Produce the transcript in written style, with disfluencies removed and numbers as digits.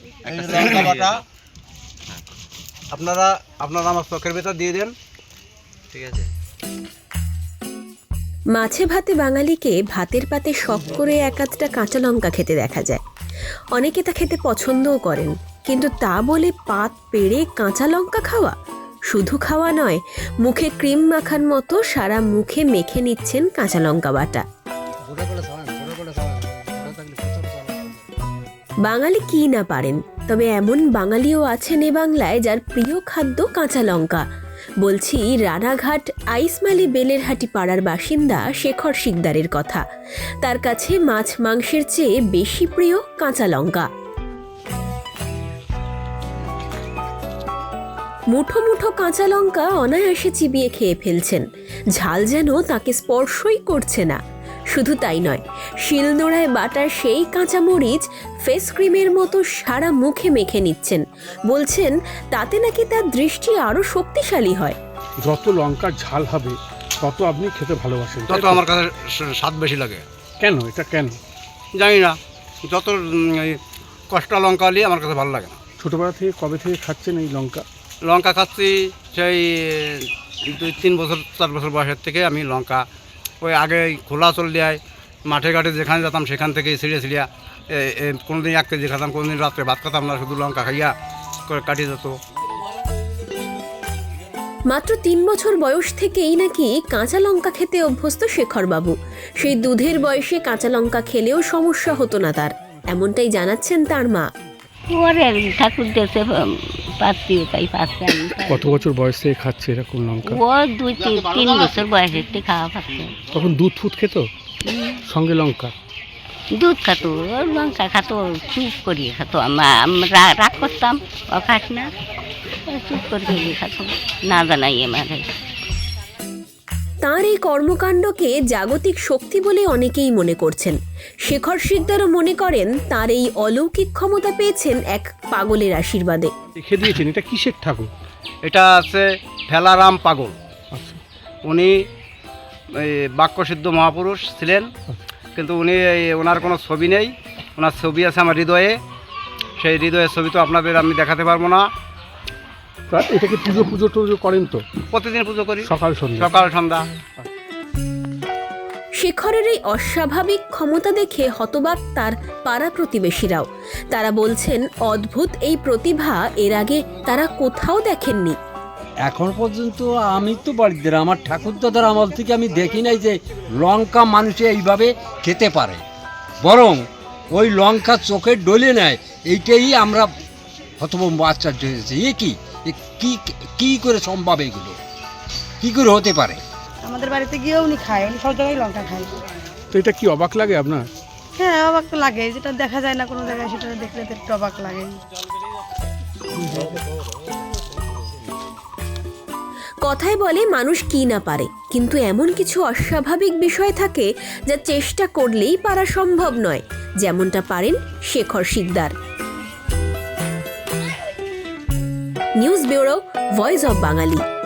লঙ্কা বাটা আপনারা আমার চোখের ভেতর দিয়ে দেন। ঠিক আছে। মাছে ভাতে বাঙালিকে ভাতের পাতে শখ করে এক আধটা কাঁচা লঙ্কা খেতে দেখা যায়। অনেকে তা খেতে পছন্দও করেন, কিন্তু তা বলে পাত পেড়ে কাঁচা লঙ্কা খাওয়া? শুধু খাওয়া নয়, মুখে ক্রিম মাখার মতো সারা মুখে মেখে নিচ্ছেন কাঁচা লঙ্কা বাটা। বাঙালি কি না পারেন, তবে এমন বাঙালিও আছেন এ বাংলায় যার প্রিয় খাদ্য কাঁচা লঙ্কা। বলছি রানাঘাট আইসমালি বেলেরহাটি পাড়ার বাসিন্দা শেখর শিকদারের কথা। তার কাছে মাছ মাংসের চেয়ে বেশি প্রিয় কাঁচা লঙ্কা। মুঠো মুঠো কাঁচা লঙ্কা অনায়াসে চিবিয়ে খেয়ে ফেলছেন, ঝাল যেন তাকে স্পর্শই করছে না। শুধু তাই নয়, শিলনোড়ায় বাটার সেই কাঁচা মরিচ ফেস ক্রিমের মতো সারা মুখে মেখে নিচ্ছেন। বলছেন তাতে নাকি তার দৃষ্টি আরো শক্তিশালী হয়। যত লঙ্কার ঝাল হবে তত আপনি খেতে ভালোবাসেন, তত আমার কাছে স্বাদ বেশি লাগে। কেন? এটা কেন জানি না, যত কষ্টা লঙ্কা হলে আমার কাছে ভালো লাগে না। ছোটবেলা থেকে কবে থেকে খাচ্ছেন এই লঙ্কা? লঙ্কা খাচ্ছি সেই 2-3 বছর 4 বছর বয়সের থেকে আমি লঙ্কা ওই আগে খোলা চল দেয় মাঠে ঘাটে যেখানে যেতাম সেখান থেকে ছিঁড়ে ছিঁড়িয়া কোনোদিন 1 কেজি খেতাম, কোনোদিন রাত্রে ভাত খেতাম না, শুধু লঙ্কা খাইয়া করে কাটিয়ে যেত। মাত্র 3 বছর বয়স থেকেই নাকি কাঁচা লঙ্কা খেতে অভ্যস্ত শেখরবাবু। সেই দুধের বয়সে কাঁচা লঙ্কা খেলেও সমস্যা হতো না তার, এমনটাই জানাচ্ছেন তার মা। ঠাকুর দেশে পাচ্ছি, তাই পাচ্ছে। কত বছর বয়স থেকে খাচ্ছে এরকম লঙ্কা? ও 2-3 বছর বয়সের থেকে খাওয়া পাচ্ছে। তখন দুধ ফুট খেত সঙ্গে লঙ্কা? দুধ খাতো, লঙ্কা খাতো, চুপ করিয়ে খাতো। আমরা রাগ করতাম, ও খাস না, চুপ করিয়ে খাতো, না জানাই আমার। তাঁর এই কর্মকাণ্ডকে জাগতিক শক্তি বলে অনেকেই মনে করছেন। শেখর শিকদারও মনে করেন তাঁর এই অলৌকিক ক্ষমতা পেয়েছেন এক পাগলের আশীর্বাদে। লিখে দিয়েছেন, এটা কিসের ঠাকুর? এটা আছে ফেলারাম পাগল। আচ্ছা। উনি বাক্যসিদ্ধ মহাপুরুষ ছিলেন, কিন্তু উনি ওনার কোনো ছবি নেই। ওনার ছবি আছে আমার হৃদয়ে, সেই হৃদয়ের ছবি তো আপনাদের আমি দেখাতে পারবো না। এটাকে পুজো টুজো করেন তো? প্রতিদিন পুজো করি, সকাল সন্ধ্যা। শেখরের এই অস্বাভাবিক ক্ষমতা দেখে হতবাক তার পাড়া প্রতিবেশীরাও। তারা বলছেন অদ্ভুত এই প্রতিভা এর আগে তারা কোথাও দেখেননি। এখন পর্যন্ত আমি তো বাড়িতে আমার ঠাকুরদাদার আমল থেকে আমি দেখি নাই যে লঙ্কা মানুষে এইভাবে খেতে পারে। বরং ওই লঙ্কা চোখে ডলে নেয়, এইটাই আমরা হতভম্ব আশ্চর্য হয়েছে। কি করে সম্ভব? এগুলো কি করে হতে পারে? আমাদের বাড়িতে গিয়েও উনি খায়, উনি সব জায়গায় লঙ্কা খায়। তো এটা কি অবাক লাগে আপনার? হ্যাঁ, অবাক তো লাগে, যেটা দেখা যায় না কোনো জায়গায়, সেটা দেখলে তো একটু অবাক লাগে। কথায় বলে মানুষ কি না পারে, কিন্তু এমন কিছু অস্বাভাবিক বিষয় থাকে যা চেষ্টা করলেই পারা সম্ভব নয়, যেমনটা পারেন Shekhar Sikdar. News bureau, voice of Bangali.